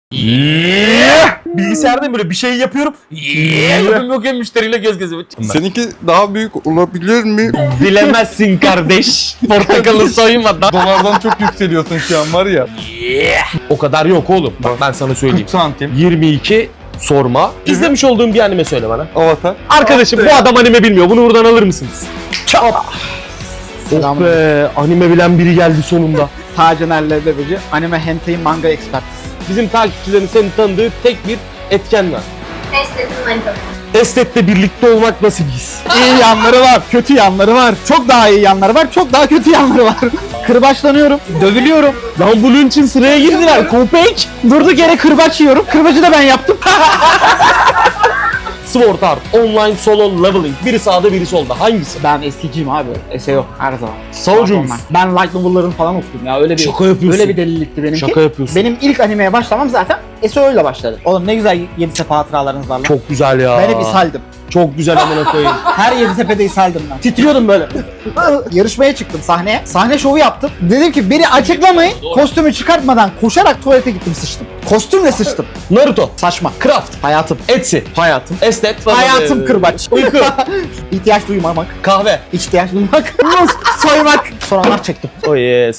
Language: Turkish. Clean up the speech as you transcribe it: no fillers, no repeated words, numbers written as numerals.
Bilgisayarda böyle bir şey yapıyorum. Yok müşteriyle göz göze. Seninki daha büyük olabilir mi? Bilemezsin kardeş. Portakalı soymadan. Dolardan çok yükseliyorsun şu an var ya. O kadar yok oğlum. Bak ben sana söyleyeyim. 40 santim. 22 sorma. İzlemiş olduğum bir anime söyle bana. Avatar. Arkadaşım bu adam anime bilmiyor. Bunu buradan alır mısınız? Çap. Oh be, anime bilen biri geldi sonunda. Tacener Leblebici, anime hentai manga expertiz. Bizim takipçilerin seni tanıdığı tek bir etken var. Estet'in manitası. Estet'le birlikte olmak nasıl bir his? İyi yanları var, kötü yanları var. Çok daha iyi yanları var, çok daha kötü yanları var. Kırbaçlanıyorum, dövülüyorum. Lan bunun için sıraya girdiler. Köpek. Durduk yere kırbaç yiyorum. Kırbacı da ben yaptım. Sword Art Online Solo Leveling. Biri sağda biri solda. Hangisi? Ben eskiciyim abi. Ese yok her zaman. Savcı mısın? Ben light novel'ların falan okudum ya. Öyle bir Şaka yapıyorsun. Öyle bir delilikti benimki. Şaka yapıyorsun. Benim ilk animeye başlamam zaten SEO ile başladı. Oğlum ne güzel Yeditepe hatıralarınız var lan. Çok güzel ya. Ben hep ishaldim. Çok güzel amına koyayım. Her Yeditepe'de ishaldim ben. Titriyordum böyle. Yarışmaya çıktım sahneye. Sahne şovu yaptım. Dedim ki beni açıklamayın. Kostümü çıkartmadan koşarak tuvalete gittim sıçtım. Kostümle sıçtım. Naruto. Saçma. Craft. Hayatım. Etsy. Hayatım. Estet. Hayatım kırbaç. Uyku. İhtiyaç duymamak. Kahve. İhtiyaç duymak. Soymak. Soranlar çektim. Oh yes.